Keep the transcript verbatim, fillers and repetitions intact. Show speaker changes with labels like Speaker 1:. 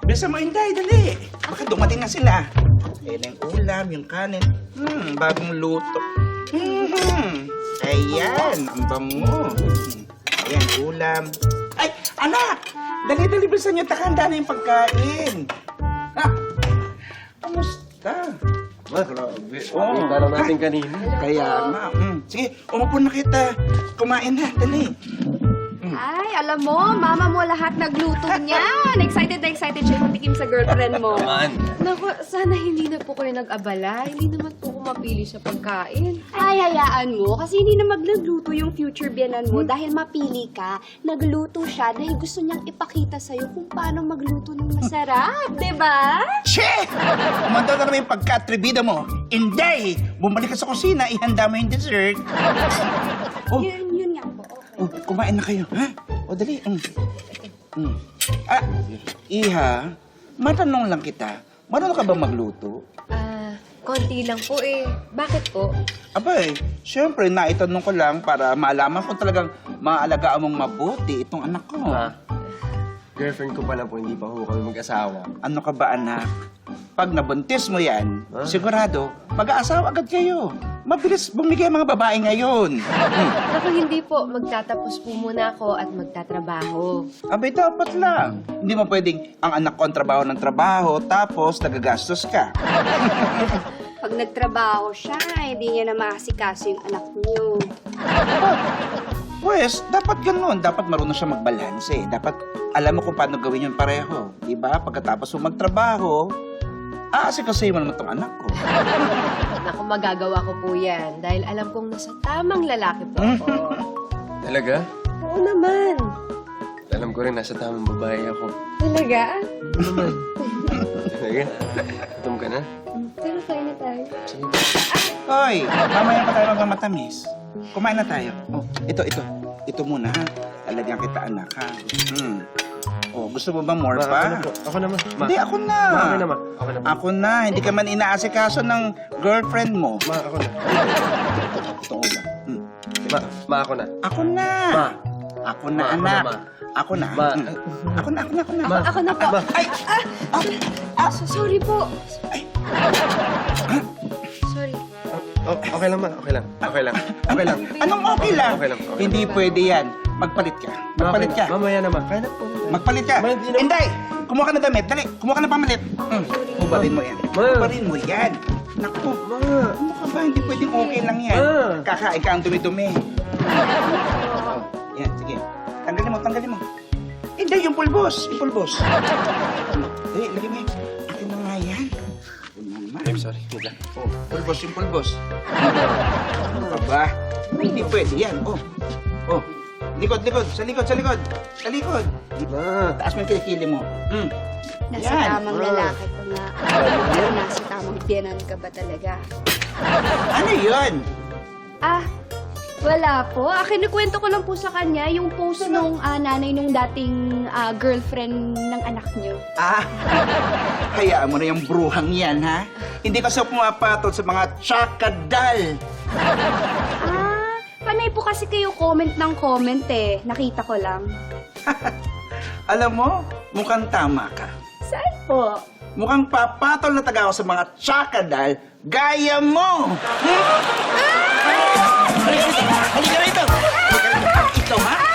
Speaker 1: Bisa mo, Inday, dali. Baka dumating na sila. Ayan ang ulam, yung kanin. Hmm, bagong luto. Hmm, ayan, ang bango. Hmm, ayan, ulam. Ay, anak! Dali-dali, bilisan niyo, takanda na yung pagkain. Ha? Kamusta?
Speaker 2: Ma, grabe.
Speaker 1: Oo.
Speaker 2: Kita lang natin kanina.
Speaker 1: Kaya nga. Mm. Sige, umupo na kita. Kumain na, dali.
Speaker 3: Ay, alam mo, mama mo lahat nagluto niyan. Excited na excited siya patikim sa girlfriend mo.
Speaker 2: Man.
Speaker 4: Naku, sana hindi na po kayo nag-abala. Hindi naman po ko mapili sa pagkain.
Speaker 3: Ay, hayaan mo. Kasi hindi na magluluto yung future biyanan mo dahil mapili ka. Nagluto siya dahil gusto niyang ipakita sa'yo kung paano magluto ng masarap. Diba?
Speaker 1: Che! Kumanda na naman yung pagka-atribida mo. Inday! Bumalik ka sa kusina, ihanda mo yung dessert. Oh,
Speaker 3: Yun, yun nga po. Okay.
Speaker 1: oh, kumain na kayo, ha? O, dali. Mm. Mm. Ah, Iha, matanong lang kita. Marunong ka ba magluto?
Speaker 4: Ah, konti lang po eh. Bakit po?
Speaker 1: Abay, syempre, naitanong ko lang para malaman kung talagang maalagaan mong mabuti itong anak ko.
Speaker 2: Ma, girlfriend ko pa lang po, hindi pa ho kami mag-asawa.
Speaker 1: Ano ka ba, anak? Pag nabuntis mo yan,
Speaker 2: Huh?
Speaker 1: sigurado, mag-aasawa agad kayo. Mabilis bumigay ang mga babae ngayon. Hmm.
Speaker 4: Naku, hindi po. Magtatapos po muna ako at magtatrabaho.
Speaker 1: Abay, dapat lang. Hindi mo pwedeng ang anak ko ang trabaho ng trabaho, tapos nagagastos ka.
Speaker 3: Pag nagtrabaho siya, hindi niya na makasikaso yung anak niyo.
Speaker 1: Pues, dapat ganun. Dapat marunong siya magbalanse. Dapat alam mo kung paano gawin yun pareho. Diba? Pagkatapos mo magtrabaho, aasikasuhin mo naman itong anak ko.
Speaker 4: Naku, magagawa ko po yan. Dahil alam kong nasa tamang lalaki po ako.
Speaker 2: Talaga?
Speaker 4: Oo naman.
Speaker 2: Alam ko rin, nasa tamang babae ako.
Speaker 4: Talaga?
Speaker 2: Talaga? Gutom ka na?
Speaker 4: Pero kain na tayo.
Speaker 2: Sige.
Speaker 1: Hoy, mamaya pa tayo magmamatamis. Kumain na tayo. Oh, ito, ito. Ito muna, ha? Lalagyan kita, anak, ha? Hmm. Oh, gusto mo ba more
Speaker 2: Ma, ako
Speaker 1: pa?
Speaker 2: na po. Ako na, ma. Ma.
Speaker 1: Hindi, ako na.
Speaker 2: Ma, okay na, ma. Ako na, ma.
Speaker 1: Ako na. Hindi ka man inaasikaso ng girlfriend mo.
Speaker 2: Ma, ako na.
Speaker 1: Ito ulam. Hmm.
Speaker 2: Ma, ma, ako na.
Speaker 1: Ako na.
Speaker 2: Ma.
Speaker 1: Ako na,
Speaker 2: Ma, ako na,
Speaker 1: anak.
Speaker 2: ma.
Speaker 1: Ako na.
Speaker 2: Ma.
Speaker 1: Hmm. Ako na, ako na, ako na.
Speaker 2: Ma.
Speaker 4: Ako na po.
Speaker 2: Ma.
Speaker 1: Ay! Ah!
Speaker 4: So, sorry po.
Speaker 1: Ay!
Speaker 4: Sorry.
Speaker 2: Oh, okay lang, ma. Okay lang. Okay lang. Okay lang.
Speaker 1: Anong okay lang?
Speaker 2: Okay lang, okay lang.
Speaker 1: Hindi pwede yan. Magpalit ka. Magpalit ka.
Speaker 2: Mamaya na, ma. Kaya na po.
Speaker 1: Magpalit ka.
Speaker 2: Ma, hindi na-
Speaker 1: Inday! Kumuha ka na damit. Dali, kumuha ka na pamalit. Hmm. Hubarin mo yan.
Speaker 2: Ma.
Speaker 1: Hubarin mo yan. Naku.
Speaker 2: Ma.
Speaker 1: Ano ka ba? Hindi pwedeng okay lang yan.
Speaker 2: Ah.
Speaker 1: Kakain ka ang dumi-dumi. Oh, yan, sige. Tanggalin mo, tanggalin mo. Hindi, yung pulbos. Yung pulbos. Dali, lagay mo yan. Akin na nga yan. Ano naman?
Speaker 2: I'm sorry. Wait lang.
Speaker 1: Oh, pulbos, yung pulbos. Ano ka ba? Hindi pwede yan. Oh, oh. Likod, likod. Sa likod, sa likod. Sa likod.
Speaker 2: Ma.
Speaker 1: Taas mo yung kilikili mo. Hmm.
Speaker 3: Nasa
Speaker 1: Yan.
Speaker 3: tamang
Speaker 2: Ah.
Speaker 3: lalaki ko nga. Pero nasa tamang biyanan ka ba talaga?
Speaker 1: Ano yun?
Speaker 3: Ah, wala po. Ah, kinukwento ko lang po sa kanya yung post nung ah, nanay nung dating ah, girlfriend ng anak niyo.
Speaker 1: Ah, hayaan mo na yung bruhang yan, ha? Hindi ka sa pumapatol sa mga tsakadal.
Speaker 3: Ah, panay po kasi kayo comment ng comment eh. Nakita ko lang.
Speaker 1: Alam mo, mukhang tama ka.
Speaker 3: Saan po?
Speaker 1: Mukhang papatol na taga ako sa mga tsakadal gaya mo. Hmm? Halika rito! Halika rito! Ikaw, ha?